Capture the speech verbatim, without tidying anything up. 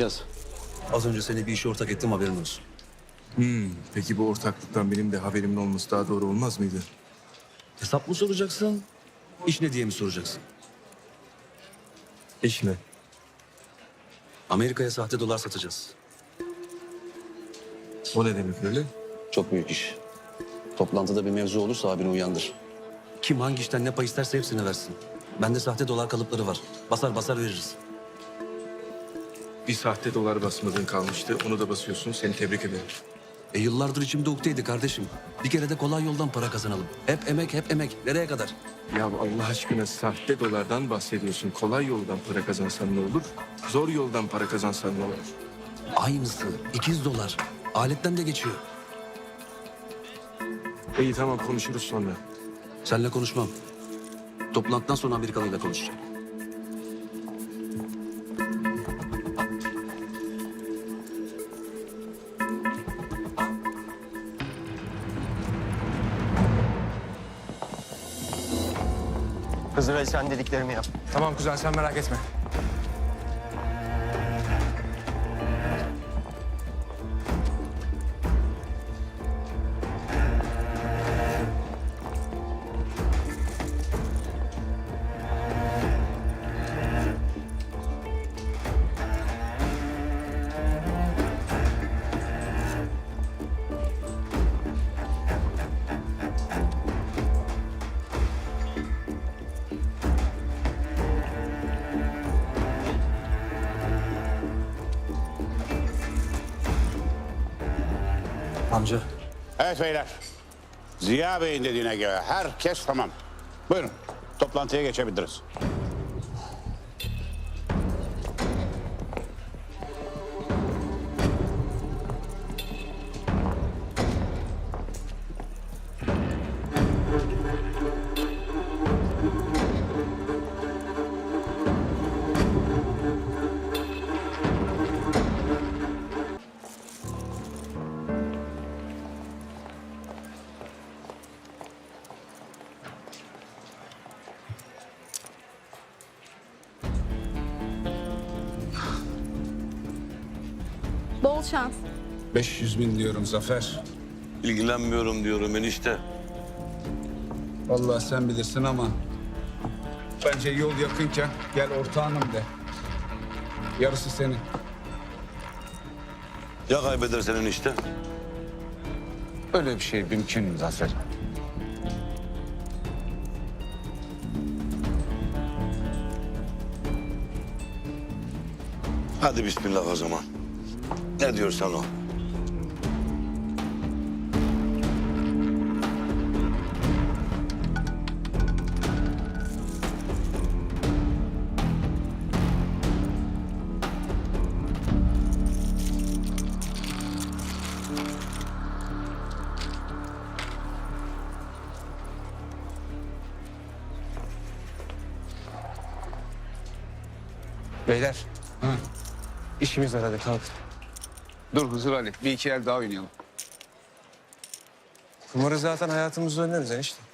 İlyas, az önce seni bir işe ortak ettim, haberin olsun. Hmm, peki bu ortaklıktan benim de haberimin olması daha doğru olmaz mıydı? Hesap mı soracaksın, iş ne diye mi soracaksın? İş mi? Amerika'ya sahte dolar satacağız. O ne demek öyle? Çok büyük iş. Toplantıda bir mevzu olursa abini uyandır. Kim hangi işten ne pay isterse hepsini versin. Bende sahte dolar kalıpları var. Basar basar veririz. Bir sahte dolar basmadığın kalmıştı. Onu da basıyorsun. Seni tebrik ederim. E yıllardır içimde ukteydi kardeşim. Bir kere de kolay yoldan para kazanalım. Hep emek, hep emek. Nereye kadar? Ya Allah aşkına sahte dolardan bahsediyorsun. Kolay yoldan para kazansan ne olur? Zor yoldan para kazansan ne olur? Aynısı. ikiz dolar. Aletten de geçiyor. İyi tamam konuşuruz sonra. Seninle konuşmam. Toplantıdan sonra Amerikalıyla konuşacağım. Hızır sen dediklerimi yap. Tamam kuzen sen merak etme. Amca. Evet beyler. Ziya Bey'in dediğine göre herkes tamam. Buyurun toplantıya geçebiliriz. Bol şans. beş yüz bin diyorum Zafer. İlgilenmiyorum diyorum enişte. Vallahi sen bilirsin ama bence yol yakınken gel ortağınım de. Yarısı senin. Ya kaybedersen enişte? Öyle bir şey mümkün mü Zafer? Hadi bismillah o zaman. Ne diyorsan o. Beyler Ha. işimiz var hadi kalk. Dur Hızır Ali, bir iki el daha oynayalım. Kumarı zaten hayatımızda oynarız enişte.